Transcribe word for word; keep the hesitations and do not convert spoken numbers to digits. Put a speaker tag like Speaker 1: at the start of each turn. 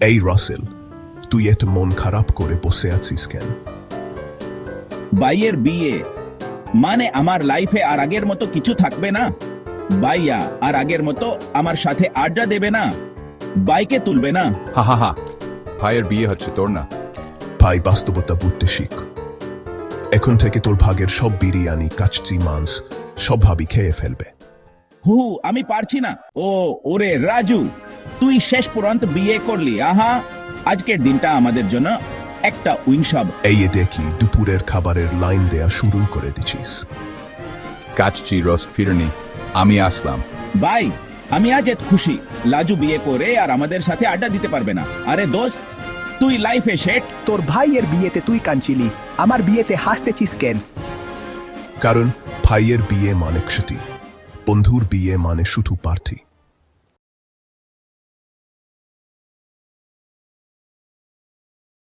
Speaker 1: এই রাসেল, তুই এত মন খারাপ করে বসে আছিস কেন?
Speaker 2: ভাইয়ের বিয়ে মানে আমার লাইফে আর আগের মতো কিছু থাকবে না। ভাইয়া আর আগের মতো আমার সাথে আড্ডা দেবে না, বাইকে তুলবে না।
Speaker 3: হা হা হা, ভাইয়ের বিয়ে হচ্ছে তোর না।
Speaker 1: ভাই, বাস্তবতা বুঝতে শিখ। এখন থেকে তোর ভাগের সব বিরিয়ানি, কাচ্চি মাংস সব ভাবি খেয়ে ফেলবে।
Speaker 2: হু আমি পারছি না। ও ওরে রাজু, তুই শেষ পর্যন্ত বিয়ে করলি। আহা, আজকের দিনটা আমাদের জন্য একটা উইংসব।
Speaker 1: এই দেখি দুপুরের খাবারের লাইন দেয়া শুরু করে দিছিস।
Speaker 3: কাচ্চি রোস্ট ফিরনি, আমি আসলাম।
Speaker 2: ভাই, আমি আজ এত খুশি। লাজু বিয়ে করে আর আমাদের সাথে আড্ডা দিতে পারবে না। আরে দোস্ত, তুই লাইফে সেট।
Speaker 4: তোর ভাইয়ের বিয়েতে তুই কাঁদছিলি, আমার বিয়েতে হাসতেছিস কেন?
Speaker 1: কারণ ভাইয়ের বিয়ে মানে ছুটি, বন্ধুর বিয়ে মানে শুধু পার্টি।